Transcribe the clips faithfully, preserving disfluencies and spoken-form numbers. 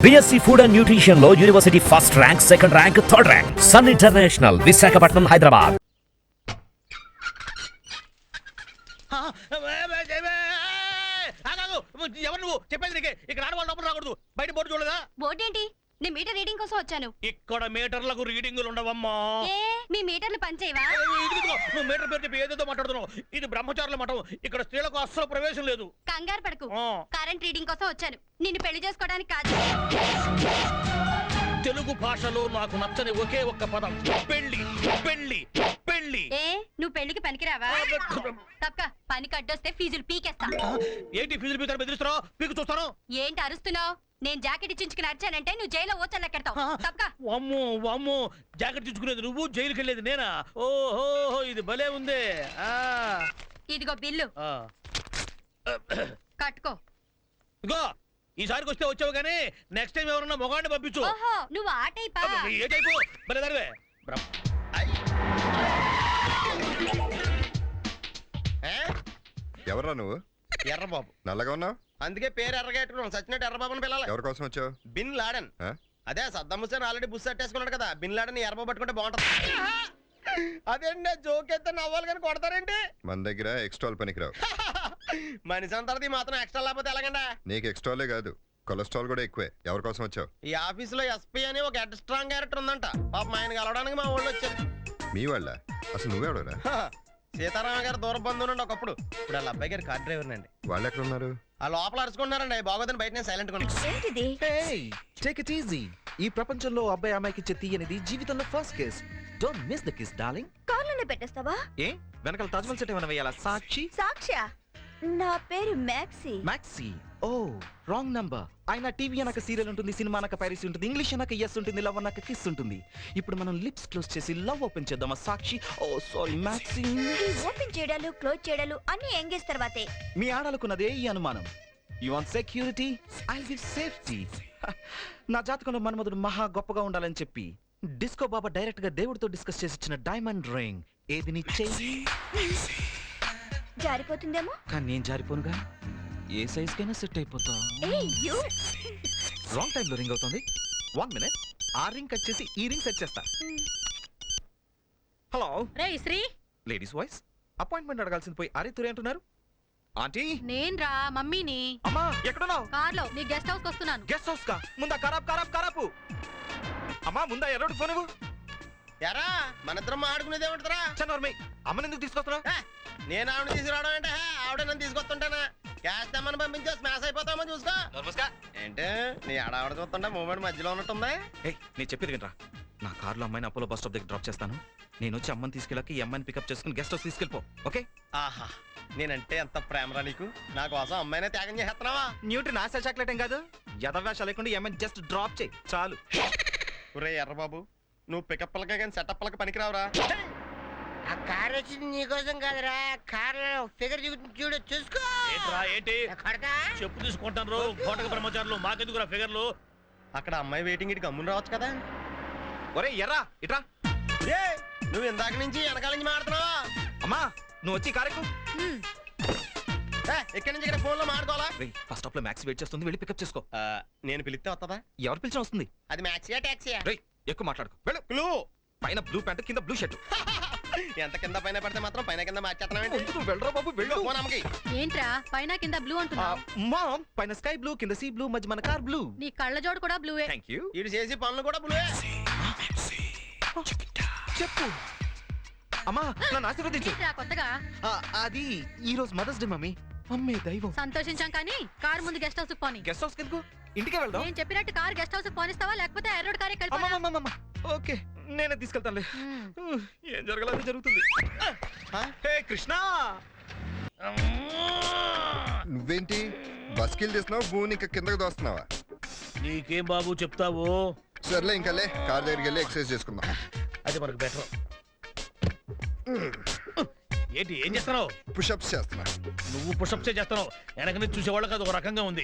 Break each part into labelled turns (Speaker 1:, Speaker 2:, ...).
Speaker 1: BSc food and nutrition లో university first rank, second rank, third rank. Sun international, Visakhapatnam, Hyderabad.
Speaker 2: ఎవరు నువ్వు చెప్పేది? ఇక్కడ ఆడవాళ్ళు లోపల రాకూడదు. బయట బోర్డు చూడదా?
Speaker 3: బోర్డు ఏంటి? నేను మీటర్ రీడింగ్ కోసం వచ్చాను.
Speaker 2: ఇక్కడ మీటర్లకు రీడింగులు ఉండవమ్మా.
Speaker 3: మీ మీటర్లు పనిచేయవా?
Speaker 2: నువ్వు మీటర్ పేరు చెప్పి ఏదేదో మాట్లాడుతున్నావు. ఇది బ్రహ్మచారుల మఠం. ఇక్కడ స్త్రీలకు అస్సలు ప్రవేశం లేదు.
Speaker 3: కంగారు పడకు, కరెంట్ రీడింగ్ కోసం వచ్చాను. నిన్ను పెళ్లి చేసుకోవడానికి కాదు.
Speaker 2: తెలుగు భాషలో నాకు నచ్చని ఒకే ఒక్క పదం పెళ్లి. పెళ్లి పెళ్లి.
Speaker 3: ఏ నువ్వు పెళ్లికి పనికిరావా? తప్ప పనికి అడ్డొస్తే ఫీజులు పీకేస్తా.
Speaker 2: ఏంటి ఫీజులు పీకారు? బెదిరిస్తున్నావు? పీకు చూస్తాను.
Speaker 3: ఏంటి అరుస్తున్నావు? నేను జాకెట్ ఇచ్చుకుని అరిచానంటే నువ్వు జైల్లో ఓచల్లెక్కెడతావు. తప్ప
Speaker 2: అమ్మో అమ్మో, జాకెట్ ఇచ్చుకునేది నువ్వు, జైలుకి వెళ్ళేది నేనా? ఓహో, ఇది భలే ఉంది. ఆ
Speaker 3: ఇదిగో బిల్లు, కట్టుకో.
Speaker 2: ఇగో ఈసారికి వస్తే వచ్చావు కానీ నెక్స్ట్ టైం ఎవరన్నా మొగాడిని పంపించు.
Speaker 3: ఓహో, నువ్వు ఆ టైపా?
Speaker 2: ఏ టైపు? భలే దానివే.
Speaker 4: ఎవరా నువ్వు?
Speaker 5: ఎర్రబాబు.
Speaker 4: నల్లగా ఉన్నావు,
Speaker 5: అందుకే పేరు ఎర్రగా పెట్టుకున్నాం. సచ్చినట్టు ఎర్రబాబుని పిల్లలు.
Speaker 4: ఎవరి కోసం వచ్చావు?
Speaker 5: Bin Laden. అదే సద్దాం హుస్సేన్ ఆల్రెడీ బుస్ అట్టేసుకున్నాడు కదా, బిన్ లాడెన్ ఎర్రబాబు పట్టుకుంటే బాగుంటది. అదేంటి జోక్ ఎత్తే నవ్వాలి కానీ కొడతారేంటి?
Speaker 4: మన దగ్గర ఎక్స్ట్రాల్ పనికిరావు.
Speaker 5: మనిషి అంతది మాత్రం ఎక్స్ట్రా లేకపోతే ఎలాగండి?
Speaker 4: నీకు ఎక్స్ట్రాలే కాదు, కొలెస్ట్రాల్ కూడా ఎక్కువే. ఎవరి కోసం వచ్చావు?
Speaker 5: ఈ ఆఫీస్ లో ఎస్పీ అని ఒక హెడ్ స్ట్రాంగ్ క్యారెక్టర్ ఉందంట. పాపం ఆయన కలవడానికి మా ఊళ్ళో వచ్చారు.
Speaker 4: మీ వాళ్ళ? అసలు నువ్వెవడరా?
Speaker 5: సీతారామ గారు దూర బంధువునండి ఒకప్పుడు. ఇప్పుడు వాళ్ళ అబ్బాయి గారు కార్ డ్రైవర్ నండి.
Speaker 4: వాళ్ళు ఎక్కడ ఉన్నారు?
Speaker 5: ఆ లోపల అరుచుకుంటున్నారండి. బాగోదని బయట నేను సైలెంట్ గా
Speaker 6: టేక్ ఇట్ ఈజీ. ఈ ప్రపంచంలో అబ్బాయి అమ్మాయికి ఇచ్చే తీయనిది జీవితంలో first kiss. Don't miss the kiss darling.
Speaker 3: కార్లోనే పెట్టేస్తావా?
Speaker 6: ఏ వెనకాల తాజ్మహల్ సెట్ ఏమైనా వేయాలా? సాక్షి.
Speaker 3: సాక్ష్య, నా పేరు maxi.
Speaker 6: Maxi. Oh wrong number. ఆయన టీవీ అనక సీరియల్ ఉంటుంది, సినిమా అనక పైరసీ ఉంటుంది, ఇంగ్లీష్ అనక ఎస్ ఉంటుంది, లవ్ అనక కిస్ ఉంటుంది. ఇప్పుడు మనం లిప్స్ క్లోజ్ చేసి లవ్ ఓపెన్ చేద్దామా Sakshi? Oh sorry maxi.
Speaker 3: Open చేయడాలు క్లోజ్ చేయడాలు అన్ని ఎంగేజ్ తర్వాతే.
Speaker 6: మీ ఆడాలకున్నదే ఈ అనుమానం. You want security, I give safety. నా జాతకంలో మన్మధుడు మహా గొప్పగా ఉండాలని చెప్పి డిస్కో బాబా డైరెక్ట్ గా దేవుడితో డిస్కస్ చేసి ఇచ్చిన డైమండ్ రింగ్. ఏది నీ చెయ్యి
Speaker 3: జారిపోతుందేమో,
Speaker 6: కానీ నేను జారిపోనుగా. ఏ సైజ్ కైనా సెట్ అయిపోతా. రాంగ్ టైం లో రింగ్ అవుతుంది. వన్ మినిట్, ఆ రింగ్ కట్ చేసి ఈ రింగ్ సెట్ చేస్తా. హలో
Speaker 7: రే శ్రీ.
Speaker 6: Ladies voice. అపాయింట్మెంట్ అడగాల్సింది పోయి అరే తురే అంటున్నారు. ఆంటీ
Speaker 7: నేను రా మమ్మీని.
Speaker 6: అమ్మా ఎక్కడున్నావు?
Speaker 7: కార్లో నీ గెస్ట్ హౌస్ వస్తున్నాను.
Speaker 6: గెస్ట్ హౌస్ కా? ముందా ఖరాబ్ ఖరాబ్ ఖరాబు. అమ్మా ముందా ఎర్రోడు ఫోన్ ఇవ్వు.
Speaker 5: ఎరా మన ఇద్దరం ఆడుకునేది ఏమంటారా?
Speaker 6: చన్నవర్మి అమ్మని ఎందుకు తీసుకొస్తున్నా?
Speaker 5: నేను ఆవిడ తీసుకురావడం అంటే ఆవిడ నన్ను తీసుకొస్తుంటానా? క్యాష్ తెమ్మని పంపించే స్మాష్ అయిపోతామో చూసుకో. ఏంటే నీ ఆడావిడ చూస్తుంటే మూమెంట్ మధ్యలో ఉన్నట్టుందా?
Speaker 6: నేను చెప్పేది వినరా. నా కార్లో అమ్మాయిని అపోలో బస్ స్టాప్ దగ్గర డ్రాప్ చేస్తాను. నేను వచ్చి అమ్మని తీసుకెళ్ళాక ఈ అమ్మాయిని పికప్ చేసుకుని గెస్ట్ హౌస్ తీసుకెళ్ళిపో. ఓకే?
Speaker 5: ఆహా, నేనంటే ఎంత ప్రేమరా నీకు. నా కోసం అమ్మాయినే త్యాగం చేస్తున్నావా?
Speaker 6: న్యూట్రీ నాసా చాక్లెట్ ఏం కాదు. యథవేషాలు లేకుండా ఈ అమ్మాయిని జస్ట్ డ్రాప్ చేయి చాలు.
Speaker 5: ఒరే ఎర్రబాబు, నువ్వు పికప్లకే కానీ సెటప్లకి పనికిరావురా.
Speaker 8: ఆ కార్ వచ్చింది నీకోసం కాదురా, కార్ ఫిగర్ చూడు చూసుకో.
Speaker 2: ఏంటి చెప్పు తీసుకుంటాను కోటక బ్రహ్మచారులు, మాకెందుకురా ఫిగర్లు?
Speaker 5: అక్కడ అమ్మాయి వెయిటింగ్ ఇటు గమ్మున రావచ్చు కదా.
Speaker 6: ఒరే ఎర్రా ఇట్రా.
Speaker 5: నువ్వు ఇందాక నుంచి వెనకాల నుంచి మాడుతున్నావా?
Speaker 6: అమ్మా నువ్వు వచ్చి కారెక్కు.
Speaker 5: ఎక్కడి నుంచి ఇక్కడ ఫోన్ లో మాడుకోవాలా?
Speaker 6: ఫస్ట్ స్టాప్ లో మ్యాక్స్ వెయిట్ చేస్తుంది, వెళ్ళి పికప్ చేసుకో.
Speaker 5: నేను పిలిస్తే వస్తుందా?
Speaker 6: ఎవరు పిలిచిన వస్తుంది.
Speaker 5: అది మ్యాక్సీయా టాక్సీయా?
Speaker 6: ఎక్కువ మాట్లాడుకో వెళ్ళు.
Speaker 5: క్లూ
Speaker 6: పైన బ్లూ ప్యాంట్ కింద బ్లూ షర్ట్.
Speaker 5: ఎంత కింద పైన పడితే మాత్రం పైన కింద మార్చేస్తున్నావు.
Speaker 6: వెళ్ళరా బాబు వెళ్ళు.
Speaker 7: ఏంట్రా పైన కింద బ్లూ అంటున్నావు?
Speaker 6: మామ్ పైన స్కై బ్లూ కింద సీ బ్లూ మధ్య మన కార్ బ్లూ.
Speaker 7: నీ కళ్ళ జోడు కూడా బ్లూవే.
Speaker 6: Thank you.
Speaker 5: ఇటు చేసి పనులు కూడా బ్లూవే.
Speaker 6: చెప్పు అమ్మా నన్ను ఆశీర్వదించు.
Speaker 7: కొత్తగా
Speaker 6: అది ఈ రోజు మదర్స్ డే మమ్మీ. అమ్మే దైవం.
Speaker 7: సంతోషించాం కానీ కార్ ముందు గెస్ట్ హౌస్ పోని.
Speaker 6: గెస్ట్ హౌస్ కెందుకు? ఇంటికే వెళ్దాం.
Speaker 7: నేను చెప్పినట్టు కార్ గెస్ట్ హౌస్ పోనిస్తావా లేకపోతే ఎర్రోడ్ కారే కలిపి?
Speaker 6: ఓకే నేనే తీసుకెళ్తానులే. ఏం జరగాలని జరుగుతుంది. హే కృష్ణ,
Speaker 4: నువ్వేంటి బస్కిల్ చేస్తున్నావు? భూమి ఇంకా కిందకు దోస్తున్నావా?
Speaker 2: నీకేం బాబు చెప్తావు?
Speaker 4: సర్లే ఇంకాలే, కార్ దగ్గరికి వెళ్ళి ఎక్సర్సైజ్ చేసుకుందాం.
Speaker 2: అది మనకు బెటర్. ఏంటి ఏం చేస్తున్నావు?
Speaker 4: పుషప్స్ చేస్తున్నా.
Speaker 2: నువ్వు పుషప్సే చేస్తున్నావు, వెనక నుంచి చూసేవాళ్ళకి అది ఒక రకంగా ఉంది.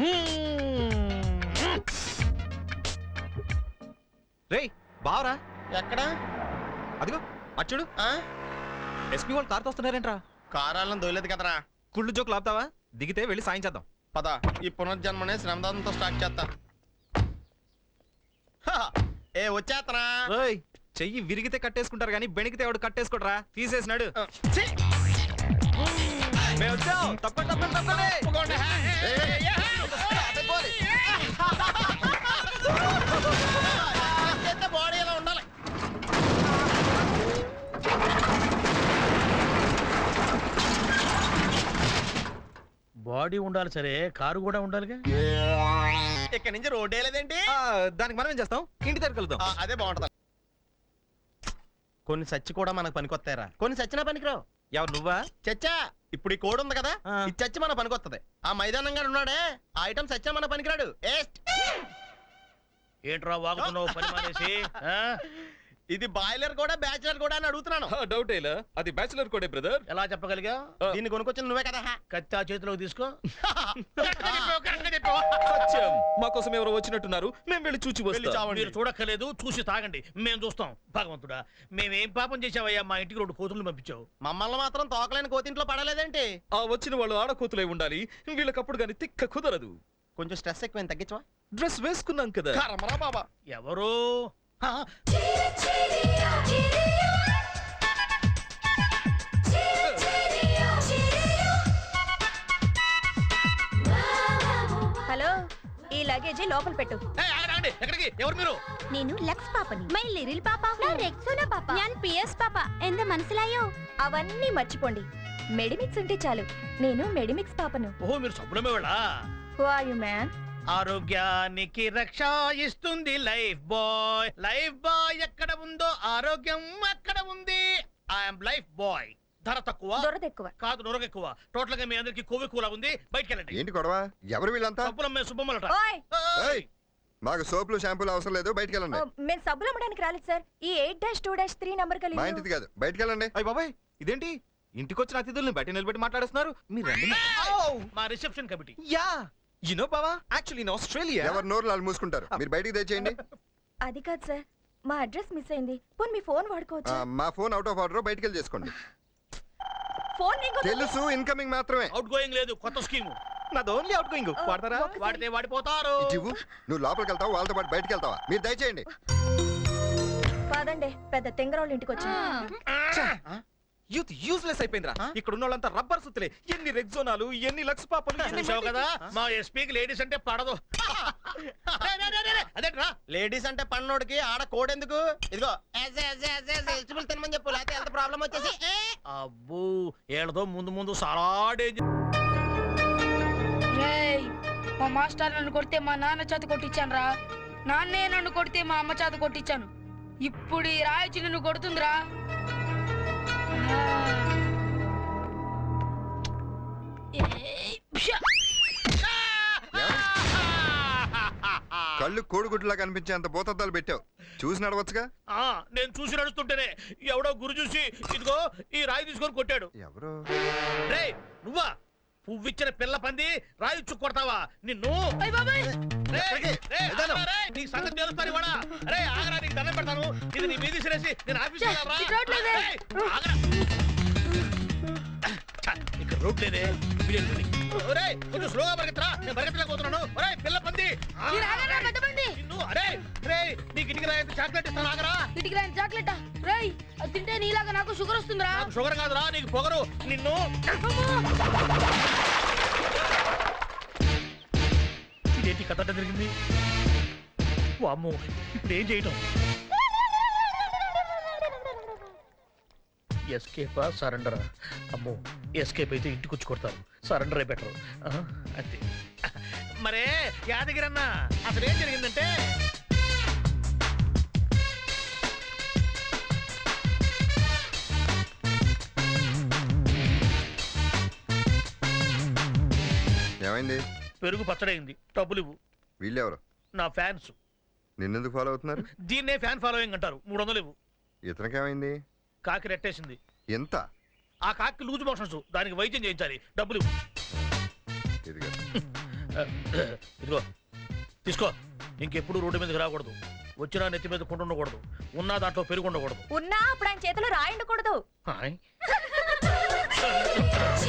Speaker 6: రే బావరా.
Speaker 5: ఎక్కడ?
Speaker 6: అదిగో అచ్చుడు. ఎస్పీ వాళ్ళు కార్తో వస్తున్నారేంట్రా?
Speaker 5: కారాలను దొలేదు కదరా.
Speaker 6: కుళ్ళు జోకులు ఆపుతావా? దిగితే వెళ్ళి సాయం చేద్దాం.
Speaker 5: పద, ఈ పునర్జన్మనే శ్రమదానంతో స్టార్ట్ చేస్తా. ఏ వచ్చేత్తనా
Speaker 6: ఓయ్ చెయ్యి విరిగితే కట్టేసుకుంటారు కానీ బెణికితే ఎవడు కట్టేసుకోడరా తీసేసినాడు
Speaker 5: ఛీ!
Speaker 6: మేము వచ్చాం తప్పండి తప్పండి తప్పండి
Speaker 5: ఒప్పుకోండి. ఏ, ఏ, ఏ, చేస్తే బాడీ ఇలా ఉండాలి.
Speaker 2: బాడీ ఉండాలి సరే కారు కూడా ఉండాలిగా.
Speaker 5: ఇక్కడ నుంచి రోడ్ లేదేంటి
Speaker 6: ఆ, దానికి మనం ఏం చేస్తాం ఇంటి దగ్గర కలుద్దాం
Speaker 5: ఆ, అదే బాగుంటది. కొన్ని సచ్చి కూడా మనకు పనికొస్తాయరా, కొన్ని సచ్చినా పనికిరావు.
Speaker 6: ఎవరు నువ్వా
Speaker 5: చచ్చా ఇప్పుడు ఈ కోడ్ ఉంది కదా,
Speaker 6: ఆ.
Speaker 5: ఇది చచ్చి మన పనికొత్తది. ఆ మైదానంగా ఉన్నాడే ఆ ఐటమ్ సచ్చా మన పనికిరాడు. ఏస్ట్.
Speaker 2: ఏంట్రా వాగుతున్నావు పని మానేసి ఆ?
Speaker 5: ఇది బాయిలర్ కూడా బ్యాచిలర్ కూడా అని అడుగుతున్నాను.
Speaker 6: డౌట్ ఏలా అది బ్యాచులర్ కోడే బ్రదర్
Speaker 2: ఎలా చెప్పగలిగా?
Speaker 5: దీన్ని కొనుక్కొచ్చిన నువ్వే కదా.
Speaker 2: కత్తా చేతిలోకి తీసుకో.
Speaker 5: కరెక్ట్గా చెప్పావు, కరెక్ట్గా చెప్పావు.
Speaker 6: సత్యం మా కోసం ఎవరో వచ్చినట్టున్నారు మేము వెళ్ళి చూచి
Speaker 5: వెళ్ళి
Speaker 6: వస్తాం
Speaker 5: చావండి.
Speaker 2: మీరు చూడక్కర్లేదు, చూసి తాగండి, మేము చూస్తాం. భగవంతుడా, మేమేం పాపం చేసావయ్యా మా ఇంటికి రెండు కోతులు పంపించావు?
Speaker 5: మమ్మల్ని మాత్రం తోకలేని కోతింట్లో పడలేదేంటి?
Speaker 6: ఆ వచ్చిన వాళ్ళు ఆడకూతులై ఉండాలి వీళ్ళకప్పుడు గాని తిక్క కుదరదు
Speaker 5: కొంచెం స్ట్రెస్ ఎక్కువ తగ్గించవా?
Speaker 6: డ్రెస్ వేసుకున్నాం కదా
Speaker 5: కర్మరా బాబా.
Speaker 2: ఎవరు? ఆ,
Speaker 7: హలో ఈ లగేజ్ లోపల పెట్టు.
Speaker 2: ఏయ్, ఆగండి, ఆగండి. ఎక్కడికి? ఎవరు మీరు?
Speaker 7: నేను లక్స్ పాపని మై లిరిల్ పాప నా రెక్సోనా పాప ഞാൻ పిఎస్ పాప ఎంత మనసులాయో అవన్నీ మర్చిపోండి. మెడిమిక్స్ ఉంటే చాలు. నేను మెడిమిక్స్ పాపను.
Speaker 2: ఓహో, మీరు సబ్బులమే వాళ్ళ.
Speaker 7: Who are you man?
Speaker 2: ఆరోగ్యానికి రక్ష ఇస్తుంది లైఫ్ బాయ్. లైఫ్ బాయ్ ఎక్కడ ఉందో ఆరోగ్యం అక్కడ ఉంది. I'm Lifebuoy. ధర తక్కువ
Speaker 7: దొరదెక్కువ.
Speaker 2: కాదు, నొరగ ఎక్కువ. టోటల్ గా మీ అందరికి కొవ్వు ఎక్కువలా ఉంది. బయటికి వెళ్ళండి.
Speaker 4: ఏంటి గొడవ? ఎవరు వీళ్ళంతా?
Speaker 2: సబ్బులమ్మే సుబ్బమ్మలట.
Speaker 7: ఓయ్
Speaker 4: ఏయ్, మాకు సోపులు షాంపూలు అవసరం లేదు, బయటికి వెళ్ళండి.
Speaker 7: మేము సబ్బులు అమ్మడానికి రాలేదు సార్. ఈ eight dash two dash three number
Speaker 4: మా ఇంటిది కాదు, బయటికి వెళ్ళండి.
Speaker 6: అయ్య బాబాయ్ ఇదేంటి ఇంటికి వచ్చిన అతిథుల్ని బయట నిలబెట్టి మాట్లాడుతున్నారు మీరు రండి
Speaker 2: మా reception committee.
Speaker 6: Yeah you know బావా యాక్చువల్లీ ఇన్ ఆస్ట్రేలియా
Speaker 4: ఎవరు నోరు వాళ్ళు మూసుకుంటారు, మీరు బయటికి తెచ్చేయండి.
Speaker 7: అది కాదు సార్, మా అడ్రస్ మిస్ అయింది. పోనీ మీ ఫోన్
Speaker 4: ఆ,
Speaker 7: వాడుకోవచ్చు.
Speaker 4: మా ఫోన్ అవుట్ ఆఫ్ ఆర్డర్, బయటికి వెళ్ళి చేసుకోండి.
Speaker 7: ఫోన్ నీకు
Speaker 4: తెలుసు, ఇన్కమింగ్ మాత్రమే.
Speaker 2: అవుట్ గోయింగ్ లేదు, కొత్త స్కీము.
Speaker 6: నాది ఓన్లీ అవుట్ గోయింగ్ వాడతారా
Speaker 7: ఒకసారి-
Speaker 2: వాడితే వాడిపోతారు.
Speaker 4: ఇవ్వు, నువ్వు లోపలికి వెళ్తావా వాళ్ళతో పాటు బయటికి వెళ్తావా? మీరు దయచేయండి.
Speaker 7: కాదండి, పెద్ద తెంగరోళ్ళ ఇంటికి వచ్చి
Speaker 6: యూత్ యూస్లెస్ అయిపోయిందిరా ఇక్కడ ఉన్న వాళ్ళంతా రబ్బర్ సుత్తులే ఎన్ని రెగ్జోనాలు ఎన్ని లక్స్ పాపలు ఎన్ని
Speaker 2: చూసావు కదా, మా ఎస్పీకి లేడీస్ అంటే పడదు. అదేట్రా,
Speaker 5: లేడీస్ అంటే పన్నోడికి ఆడ కోడ్ ఎందుకు? ఇదిగో వెజిటబుల్ తినమని చెప్పు, లేకపోతే హెల్త్ ప్రాబ్లం వచ్చేసి ఏ.
Speaker 2: అబ్బో ఏళ్ళతో ముందు ముందు చాలా డేంజర్.
Speaker 9: రేయ్, మా మాస్టర్ నన్ను కొడితే మా నాన్న చేత కొట్టించాను రా. నాన్నే నన్ను కొడితే మా అమ్మ చేత కొట్టించాను. ఇప్పుడు ఈ రాయచి నిన్ను కొడుతుందిరా. ఆ. ఏయ్, ప్షా.
Speaker 4: కళ్ళు కోడిగుడ్లా కనిపించే అంత బోతద్దాలు పెట్టావు, చూసి నడవచ్చుగా.
Speaker 2: ఆ, నేను చూసి నడుస్తుంటేనే ఎవడో గురు చూసి ఇదిగో ఈ రాయి తీసుకొని కొట్టాడు.
Speaker 4: ఎవరు?
Speaker 2: రే నువ్వా? పువ్విచ్చిన పిల్ల పంది రాయి చుక్కు కొడతావా నిన్ను?
Speaker 9: అయ్ బాబాయ్.
Speaker 2: రేయ్, రేయ్, ఆగరా రేయ్, నీ సంగతి తెలుస్తాను ఇవాళ. రే ఆగరా, నీకు దండం పెడతాను. ఇది నీ మీది సిరేసి నేను ఆఫీస్
Speaker 9: ఛే, ఇటు రోడ్ లేదే.
Speaker 2: ఆగరా. ఛ, ఇక్కడ రోడ్ లేదే. వీడెళ్ళి. ఒరేయ్, కొంచెం స్లోగా పరిగెత్తరా, నేను పరిగెత్తలేకపోతున్నాను. ఒరేయ్ పిల్ల పంది. ఆ,
Speaker 9: మీరు ఆగరా, పెద్ద పంది.
Speaker 2: నిన్ను అరే రే నీకు ఇంటికి రాయంత చాక్లెట్ ఇస్తాను, ఆగరా.
Speaker 9: ఇటుకి రాని చాక్లెట్. రేయ్, అది తింటే నీలాగా నాకు షుగర్ వస్తుందిరా.
Speaker 2: నాకు షుగర్ కాదురా, నీకు పొగరు. నిన్ను ఇదేంటి కథ అడ్డం జరిగింది? వామ్మో, ఇప్పుడు ఏం చేయటం? ఎస్కేపా సరెండరా? అమ్మో, ఎస్కేప్ అయితే ఇంటికి వచ్చి కొడతారు, సరెండర్ అయి బెటర్. అంతే. మరే యాదగిరి అన్న, అసలు ఏం జరిగిందంటే
Speaker 4: ఏమైంది?
Speaker 2: పెరుగు పచ్చడైంది, డబ్బులు ఇవ్వు.
Speaker 4: వీళ్ళెవరు?
Speaker 2: నా ఫ్యాన్స్.
Speaker 4: నిన్నెందుకు ఫాలో అవుతున్నారు?
Speaker 2: దీన్నే ఫ్యాన్ ఫాలోయింగ్ అంటారు. మూడు వందలు ఇవ్వు.
Speaker 4: ఇతనికేమైంది?
Speaker 2: కాకి రెట్టేసింది.
Speaker 4: ఎంత?
Speaker 2: ఆ కాకి లూజ్ మోషన్స్, దానికి వైద్యం చేయించాలి, డబ్బులు ఇవ్వు.
Speaker 4: ఇదిగో.
Speaker 2: ఇదిగో తీసుకో. ఇంకెప్పుడు రోడ్డు మీదకి రాకూడదు, వచ్చినా నెత్తి మీద కుండ ఉండకూడదు, ఉన్నా దాంట్లో పెరుగు ఉండకూడదు.
Speaker 7: ఉన్నా అప్పుడు ఆయన చేతిలో రాయి ఉండకూడదు.
Speaker 2: హాయ్.